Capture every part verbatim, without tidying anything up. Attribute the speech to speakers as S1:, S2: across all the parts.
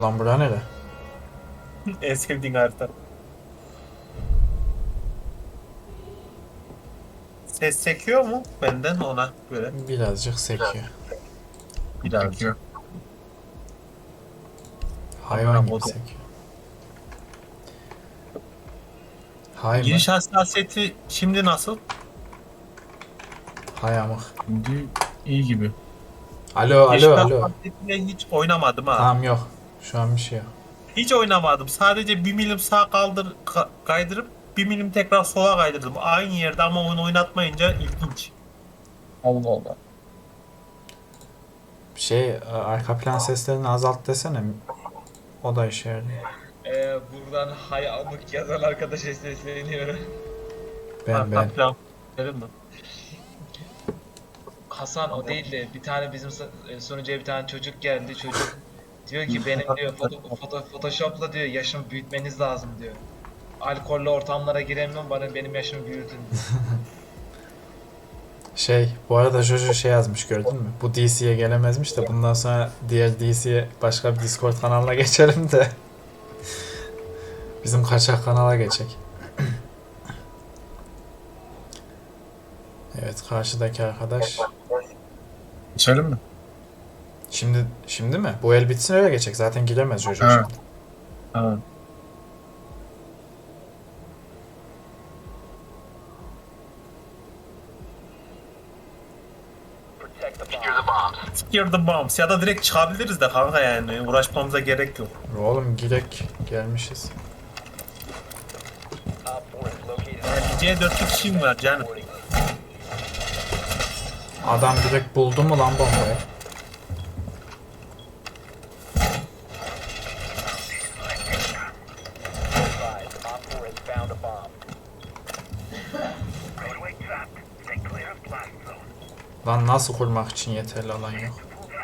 S1: Lan bura nere?
S2: En sevdiğin harita. Ses çekiyor mu benden ona göre?
S1: Birazcık sekiyor.
S2: Birazcık.
S1: Hayvan gibi
S2: Amına
S1: sekiyor. Hay mı?
S2: Giriş hassasiyeti şimdi nasıl?
S1: Hay amık.
S3: Şimdi iyi gibi.
S1: Alo
S2: Giriş
S1: alo alo.
S2: hassasiyetiyle hiç oynamadım ha.
S1: Tamam yok. Şu an bir şey yok.
S2: Hiç oynamadım. Sadece bir milim sağa kaldır ka- kaydırıp bir milim tekrar sola kaydırdım. Aynı yerde ama onu oynatmayınca ilginç.
S3: Allah Allah.
S1: Şey arka plan seslerini azalt desene. O da işe yarıyor.
S4: Ee, buradan hay amık yazan arkadaşa sesleniyorum.
S1: Ben ben.
S2: Arka plan mi?
S4: Hasan o değil de bir tane bizim sa- e, sunucuya bir tane çocuk geldi. Çocuk diyor ki benim diyor foto, foto, Photoshop'la diyor yaşımı büyütmeniz lazım diyor. Alkollü ortamlara giremem bana benim yaşımı büyütün diyor.
S1: Şey bu arada Jojo şey yazmış gördün mü? Bu D C'ye gelemezmiş de bundan sonra diğer D C'ye başka bir Discord kanalına geçelim de. Bizim kaçak kanala geçecek. Evet karşıdaki arkadaş.
S3: İçelim mi?
S1: Şimdi şimdi mi? Bu el bitsin öyle geçecek. Zaten giremez Jojo
S3: Ha.
S1: şimdi.
S3: Ha.
S2: Secure the bombs ya da direkt çıkabiliriz de kanka yani uğraşmamıza gerek yok.
S1: Oğlum girek gelmişiz.
S2: C dört kişim var canım.
S1: Adam direkt buldu mu lan bombayı? Lan nasıl kurmak için yeterli alan yok?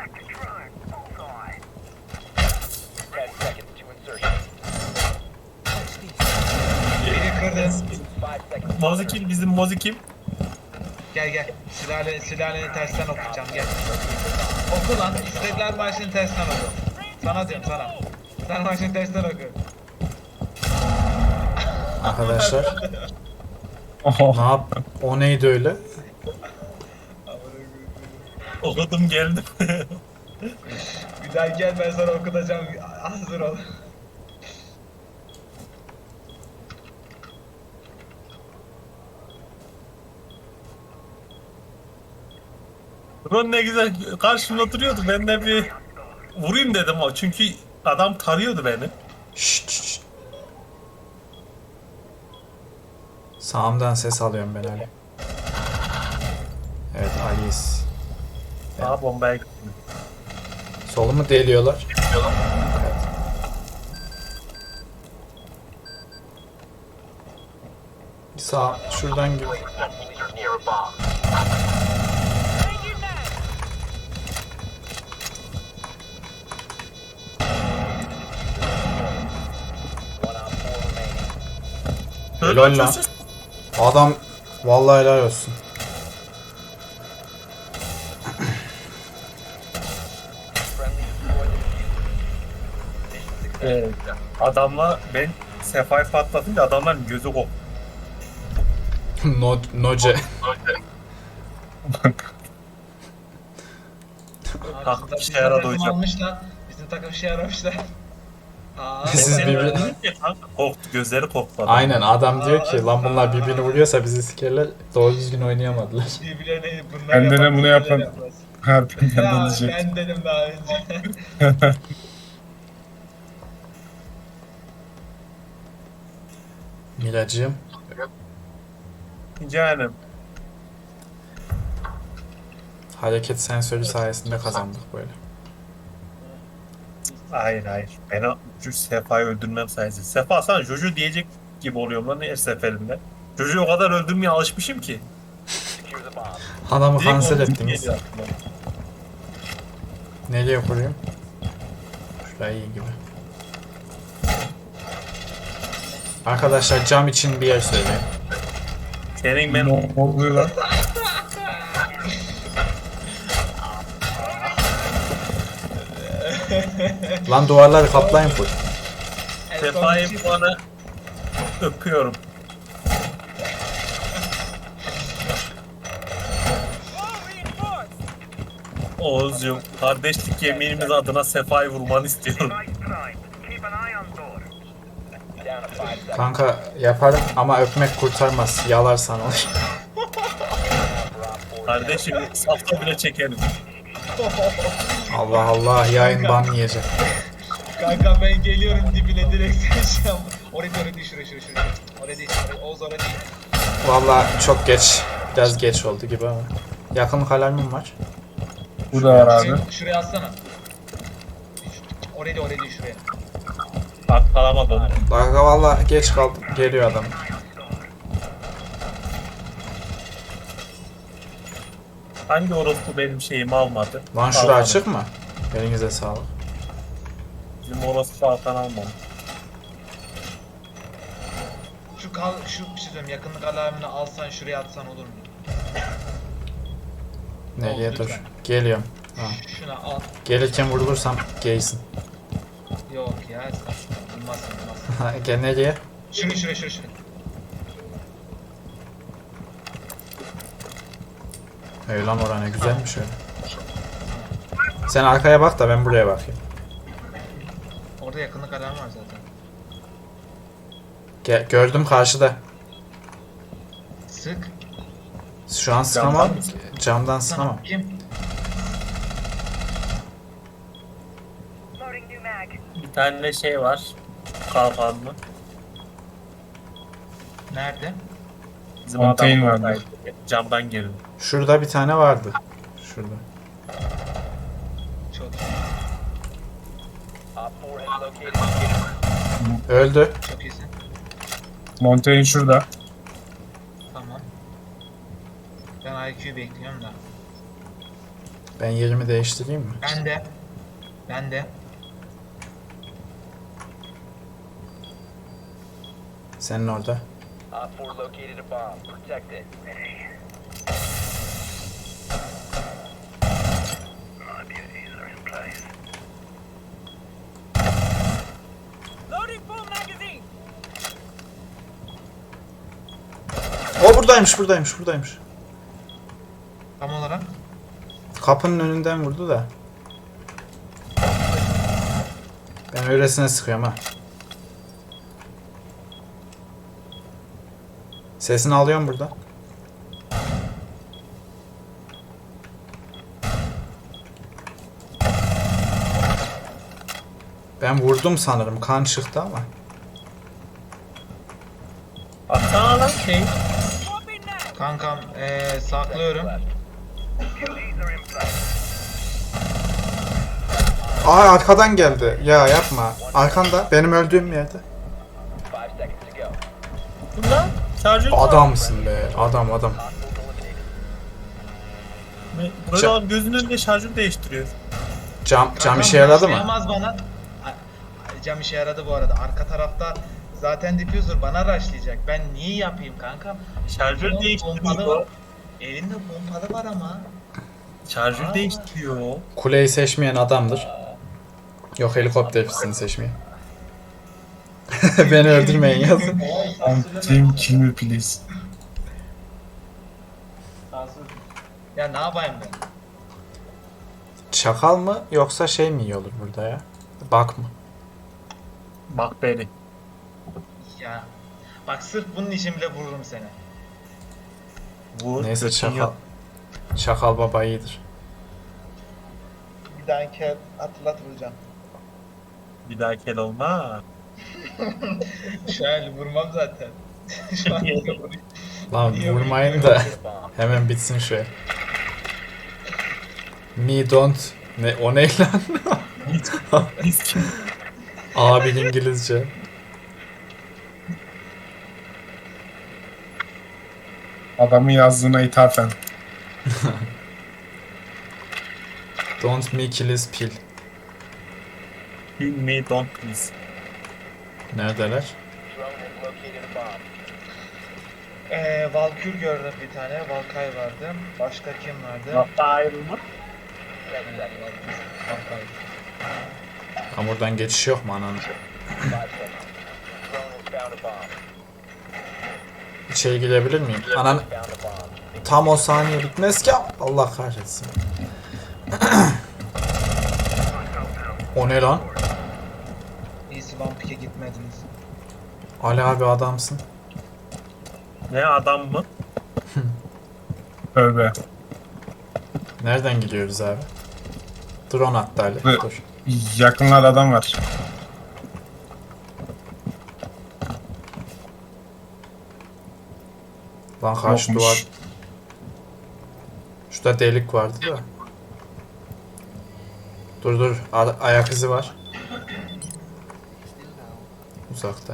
S4: Beni kırdın.
S2: Mozikim bizim mozikim.
S4: Gel gel. Sülale, sülaleni tersten okuyacağım gel. Oku lan. İstiklal Marşı'nı tersten oku. Sana diyorum sana. Sen marşını tersten oku.
S1: Arkadaşlar ne yap? O neydi öyle?
S2: Okudum geldim.
S4: Bir daha gel ben sana okutacağım. Hazır ol.
S2: Ron ne güzel karşımda oturuyordu. Ben de bir vurayım dedim o. Çünkü adam tarıyordu beni.
S1: Şşt, şşt. Sağımdan ses alıyorum ben Ali. Evet Ali'yiz.
S2: Daha bombaya gittim.
S1: Solumu deliyorlar. Evet. Bir sağ şuradan gir. Helal lan. Adam vallahi helal olsun.
S2: Evet. Adamla ben Sefa'yı patlatınca adamların gözü koptu.
S1: no, noce.
S2: Kalktı
S4: Bizim
S2: işe yaradı
S4: takım
S2: hocam.
S4: almışlar. Bizim takım şey aramışlar. Aa,
S1: Siz
S2: Ben
S1: birbirini-
S2: dedim ki, kanka korktu, gözleri korktu adam.
S1: Aynen adam diyor ki lan bunlar birbirini vuruyorsa bizi sikerler. Doğru düzgün oynayamadılar.
S4: birbirlerine bunlar
S3: Ben de
S4: yapan,
S3: ne bunu
S4: birbirleri
S3: yapan-
S4: yapmaz.
S3: Harbiden
S4: Ya
S3: ben diyecek.
S4: ben dedim daha önce.
S1: Miracığım.
S2: Canım.
S1: Hareket sensörü sayesinde kazandık böyle.
S2: Hayır hayır. Ben o şu Sefa'yı öldürmem sayesinde. Sefa sana Jojo diyecek gibi oluyorum lan her seferinde. Jojo'yu o kadar öldürmeye alışmışım ki.
S1: Adamı
S2: Direkt
S1: kanser
S2: onu
S1: ettiniz.
S2: geliyor aklıma.
S1: Nereye kurayım? Şuraya iyi gibi. Arkadaşlar cam için bir yer söyleyin.
S2: Senin ben
S3: Ne oluyor lan?
S1: Lan duvarları kaplayın full.
S4: En
S2: Sefa'yı
S4: son-
S2: bu ana öpüyorum. Oğuzcuğum, kardeşlik yeminimiz adına Sefa'yı vurmanı istiyorum.
S1: Kanka yaparım ama öpmek kurtarmaz. Yalarsan olur.
S2: Kardeşim, safta bile çekelim.
S1: Allah Allah yayın ban yiyecek.
S4: Kanka ben geliyorum dibine direkt sen Oraya oraya değil şuraya şuraya şuraya. Oraya değil oraya. Oğuz oraya değil.
S1: Vallahi çok geç. Biraz geç oldu gibi ama. Yakın kalemim var.
S3: Bu da var abi.
S4: Şuraya, şuraya atsana. Oraya değil oraya değil şuraya.
S2: Bak kalamadı onu.
S1: Bak vallahi geç kaldım. Geliyor adam.
S2: Hangi orospu benim şeyimi almadı?
S1: Lan şura
S2: Almadı.
S1: açık mı? Elinize sağlık.
S2: Bizim orospu Hakan almadı.
S4: Şu kal şu bir şey söyleyeyim yakınlık alarmını alsan şuraya atsan olur mu?
S1: Nereye
S4: Oldu
S1: dur.
S4: lütfen.
S1: Geliyorum. Ha.
S4: Şuna al.
S1: Gelirken vurulursam geysin.
S4: Yok ya. Bilmezsin bilmezsin.
S1: Gel nereye?
S4: Şunu şuraya şuraya şuraya.
S1: Öyle lan orası ne güzelmiş öyle. Sen arkaya bak da ben buraya bakayım.
S4: Orada yakınlık alarmı var zaten.
S1: Gel, gördüm karşıda.
S4: Sık.
S1: Şu an sıkamam.
S2: Camdan mı?
S1: Camdan sıkamam.
S4: Tamam. Kim?
S2: Bir tane şey var. Kalkanlı.
S4: Nerede?
S2: Bizim
S3: Contain
S2: adam
S3: vardı.
S2: oradaydı. Camdan girdi.
S1: Şurada bir tane vardı. Şurada.
S4: Çok
S1: Öldü.
S4: çok iyisin.
S3: Montaigne şurada.
S4: Tamam. Ben I Q bekliyorum da.
S1: Ben yerimi değiştireyim mi?
S4: Ben de. Ben de.
S1: Senin orada.
S5: Op four located a bomb. Protect it.
S1: O buradaymış, buradaymış, buradaymış.
S4: Tam olarak.
S1: Kapının önünden vurdu da. Ben öylesine sıkıyorum ha. Sesini alıyorum burada. Ben vurdum sanırım. Kan çıktı ama.
S2: Baksana lan şey.
S4: Kankam eee saklıyorum.
S1: Aa arkadan geldi. Ya yapma. Arkanda. Benim öldüğüm yerde.
S5: Five seconds to go.
S2: Bunlar şarjör
S1: Adamsın be. Adam adam.
S2: Böyle
S1: Ça-
S2: adam gözünün önünde şarjör değiştiriyor.
S1: Cam, cam
S4: Kankam,
S1: işe yaradı
S4: şey
S1: mı?
S4: yapmaz bana. Ay, cam işe yaradı bu arada. Arka tarafta zaten diffuser bana rushlayacak. Ben niye yapayım kankam?
S2: Şarjör
S4: Elinde
S2: değiştiriyor.
S4: pompalı- Elinde pompalı var ama.
S2: Şarjör
S4: Aa.
S2: değiştiriyor.
S1: Kuleyi seçmeyen adamdır. Yok helikopter pistini seçmeyen. Beni öldürmeyin yazın.
S3: Montaigne kill me please.
S4: Ya ne yapayım ben?
S1: Çakal mı yoksa şey mi iyi olur burada ya? Bak mı?
S2: Bak beni.
S4: Ya. Bak sırf bunun için bile vururum seni.
S2: Vur.
S1: Neyse
S2: götün
S1: çakal.
S2: yok.
S1: Çakal baba iyidir.
S4: Bir dahaki hatırlat vuracağım.
S2: Bir daha kel olma.
S4: Şu an vurmam zaten. Şu an vurayım.
S1: Lan
S4: İyi,
S1: vurmayın
S4: iyi,
S1: da
S5: Bomb.
S1: hemen bitsin şu. Me don't. Ne o ne lan?
S2: Biz kim?
S1: Abi İngilizce.
S3: Adamın yazdığına ithafen.
S1: Don't me kill his pill.
S2: Kill me don't please.
S1: Neredeler?
S5: Drone has located a bomb.
S4: Ee, Valkür gördüm bir tane. Valkay vardı. Başka kim vardı?
S2: Hatta ayrılma.
S5: Ten seconds.
S4: Valkay.
S1: Tam oradan geçiş yok mu ananı?
S5: Five seconds. Drone has found a bomb.
S1: İçeri girebilir miyim? Anan
S5: Found a bomb.
S1: tam o saniye bitmez ki. Allah kahretsin. O ne lan?
S4: İyisi Vampik'e gitmediniz.
S1: Ali abi adamsın.
S2: Ne adam mı?
S3: Tövbe.
S1: Nereden gidiyoruz abi? Drone attı Ali.
S3: Evet.
S1: Dur.
S3: Yakınlarda adam var.
S1: Lan karşı
S3: Yokmuş.
S1: duvar. Şurada delik vardı da. Dur dur. A- ayak izi var. Uzakta.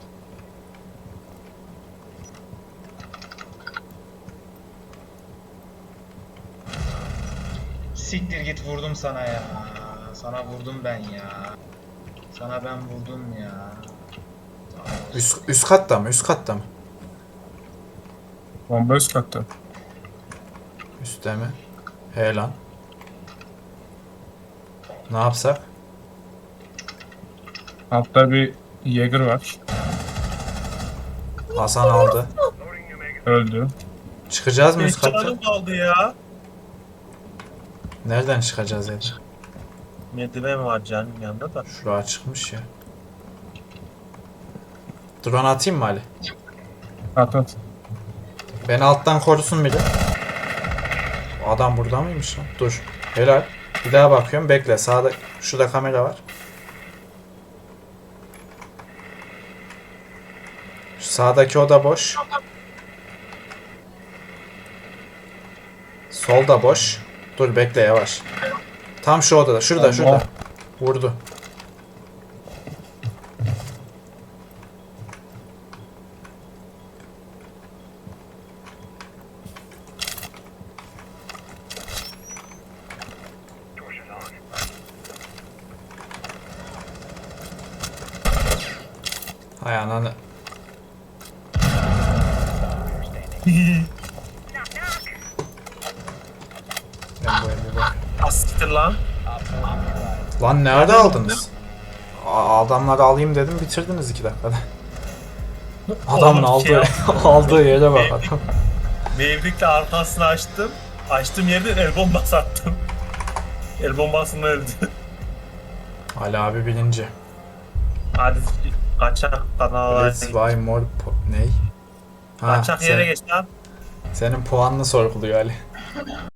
S4: Siktir git vurdum sana ya. Sana vurdum ben ya. Sana ben vurdum ya.
S1: Üst, üst katta mı? Üst katta mı?
S3: Bomba üst katta.
S1: Üstte mi? He lan. Ne yapsak?
S3: Altta bir Jäger var.
S1: Hasan aldı.
S3: Öldü.
S1: Çıkacağız mı
S2: Beş
S1: üst katta?
S2: canım kaldı ya.
S1: Nereden çıkacağız Eda?
S2: Merdiven var canım yanında da.
S1: Şuraya çıkmış ya. Drone atayım mı Ali?
S3: At at.
S1: Beni alttan korusun biri. O adam burada mıymış lan? Dur. Helal. Bir daha bakıyorum. Bekle. Sağda şurada kamera var. Şu sağdaki oda boş. Solda boş. Dur bekle yavaş. Tam şu odada. Şurada
S3: Allah.
S1: şurada. Vurdu. Hay ananı. Ben bu evi bak.
S2: Asiktir lan.
S1: Lan nerede aldınız? A- Adamları alayım dedim bitirdiniz iki dakikada. Adamın
S2: Oğlum, şey
S1: aldığı, aldığı yere bak adam.
S2: Mevlikle arkasını açtım. Açtığım yerden el bombası attım. El bombasını öldü.
S1: Ali abi bilinci.
S2: Hadi kaçak kanala.
S1: Let's buy more po- ney? Ha,
S2: Kaçak yere
S1: sen-
S2: geç lan.
S1: senin puanını sorguluyor Ali.